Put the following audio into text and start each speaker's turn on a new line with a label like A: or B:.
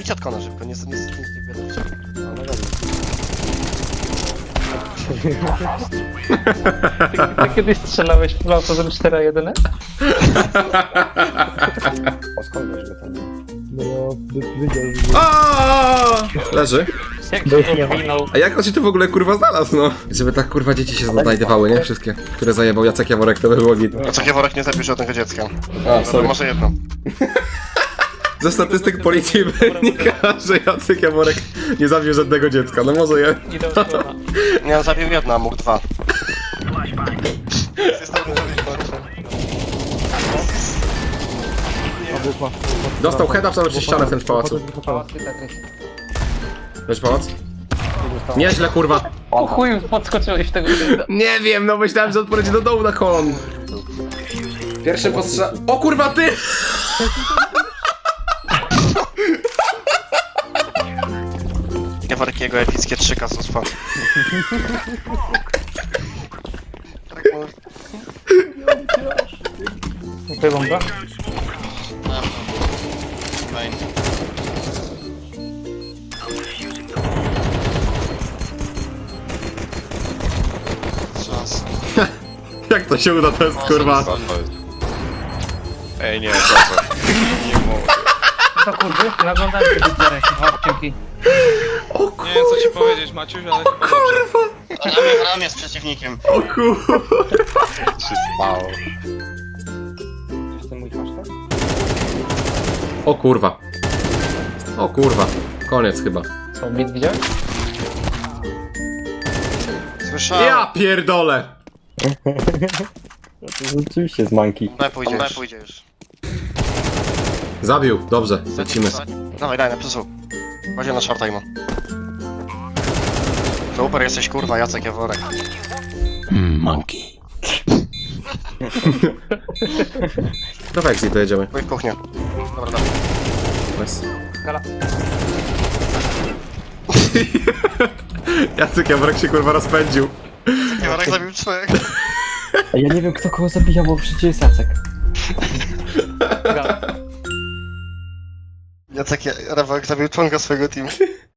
A: Idź od kona szybko, nie wiadomo.
B: Ty kiedyś strzelałeś w auto z 4-1?
C: O, skąd wiesz go tam?
D: No ja wiedział, że...
E: Aaaa! Leży.
B: Jak się powinął?
E: A jak on się tu w ogóle kurwa znalazł, no? Żeby tak kurwa dzieci się znajdowały, nie? Wszystkie, które zajebał Jacek Jaworek, to by było git.
A: A co Jaworek nie zabił żadnego dziecka?
E: A,
A: No,
E: sorry.
A: może jedno.
E: Ze statystyk policji wynika, że Jacek Jaworek nie zabił żadnego dziecka. No może je.
B: Idę od kona.
A: Nie, on zabił jedno, a mógł dwa. Jest to
E: Dostał heada w przez ścianę w tym pałacu.
B: Pałac Tetris.
E: Weź pałac? Nieźle kurwa.
B: O chuj, podskoczyłeś w tego typa.
E: Nie wiem, no myślałem, że odpowiedzi do dołu na kon. Pierwszy postrzał. O kurwa ty!
A: Jaworek jego epickie 3 kasuspa.
B: Wybą go?
E: Jak to się uda, to jest kurwa.
F: Ej, nie, proszę. Nie mogę.
B: To kurwy, naglądałem się do dzierek. O, dzięki.
F: Nie wiem co ci powiedzieć, Maciuś, ale chyba dobrze.
A: Ramię z przeciwnikiem.
E: O kurwa.
C: Czy to mój hashtag?
E: O kurwa. O kurwa. Koniec chyba.
B: Co, bit widziałeś?
A: Słyszałem.
E: Ja pierdolę.
C: No to rzeczywiście z manki.
A: Pójdzie już.
E: Zabił, dobrze, lecimy.
A: Dawaj, daj, na plusu. Chodź na short time'u. Super, jesteś kurwa, Jacek Jaworek.
E: Dawaj, exit, dojedziemy.
A: Pójdź w kuchnię. Dobra, dawaj.
E: Nice.
B: Gala.
E: Jacek Jaworek się kurwa rozpędził.
A: Jaworek zabił 3.
C: A ja nie wiem kto kogo zabija, bo przecież jest Jacek.
B: Gala.
A: Jacek Jaworek zabił członka swojego teamu.